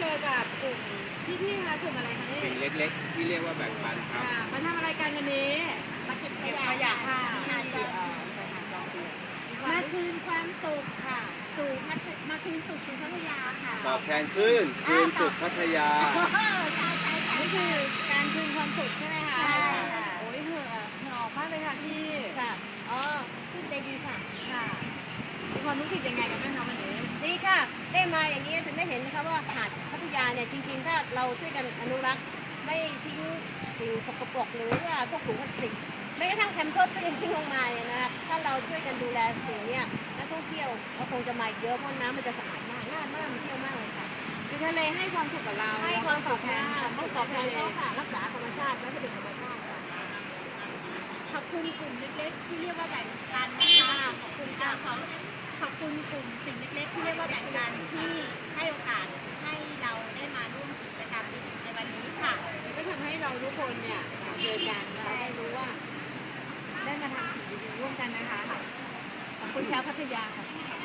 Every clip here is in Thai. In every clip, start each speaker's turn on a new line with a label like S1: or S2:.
S1: อกับกลุ่มพี่ๆคะกลุ่มอะไรคะนี่
S2: สิ่งเล็กๆที่เรียกว่าแบ่งปันครับ
S1: มาทำอะไรกันวันนี้
S3: มาเก็บขยะ
S1: ค่ะ
S3: ที่หาดจอมเดือ มาคืนความสุขค่ะมาคืนสุขสู่พัทยาค่ะ
S2: ตอบแทนคลื่นคืนสุขพัทยา
S3: ใช่
S1: นี่คือการคืนความสุขใช่ไหมคะ
S3: ใช่ค่ะ
S1: โอ้ยเหงื่อออกมากเลยค่ะพี่
S3: ค่ะอ๋อชื่นใจดีค่ะ
S1: ค่ะมีความรู้สึกยังไงกันบ้างคะวันนี้
S3: ดีค่ะ ได้มาอย่างนี้ถึงได้เห็นนะคะว่าหาดพัทยาเนี่ยจริงๆถ้าเราช่วยกันอนุรักษ์ไม่ทิ้งสิ่งสกปรกหรือว่าพวกถุงพลาสติกแม้กระทั่งแคมเพิร์สก็ยังทิ้งลงมาเนี่ยนะคะถ้าเราช่วยกันดูแลสิ่งเนี้ยนักท่องเที่ยวเขาคงจะมาอีกเยอะเพราะน้ำมันจะสะอาดมากน่ามาเที่ยวมากเลยค่ะ
S1: คือทะเลให้ความสุขกับเรา
S3: ให้ความตอบแทน
S1: ข
S3: ต้องตอบแทนเขาค่ะรักษาธรรมชาติและก็เป็นธรรมชาติค่ะขอบคุณกลุ่มเล็กๆที่เรียกว่าแบ่งปันนะคะขอบคุณค่ะขอบคุณกลุ่มสิ่งเล็กๆที่เรียกว่าแบ่งปันที่ให้โอกาสให้เราได้มาร่วมกิจกรรมในวันนี้ค่ะ
S1: ก็ทำให้เราทุกคนเนี่ยเจอกันเราได้รู้ว่า ได้มาทำสิ่งดีๆร่วมกันนะคะ ขอบคุณชาวพัทยาค่ะ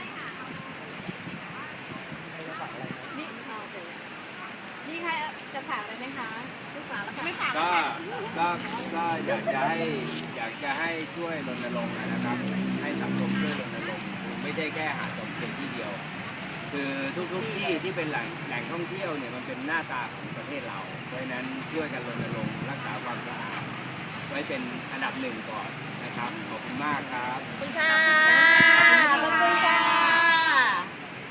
S1: นี่โอเคนี่ใครจะฝากอะไรไหมคะไม่ฝากแล้วค่ะไม่ฝาก
S2: ก็อยากจะให้ช่วยรณรงค์นะครับ ให้สังคมช่วยรณรงค์ไม่ได้แค่หาดจอมเทียนที่เดียว คือทุกที่ที่เป็นแหล่งท่องเที่ยวเนี่ยมันเป็นหน้าตาของประเทศเรา เพราะฉะนั้นช่วยกันรณรงค์รักษาความสะอาดไว้เป็นอันดับหนึ่งก่อนนะครับ ขอบคุณมากครับ
S3: ขอบคุณค่ะ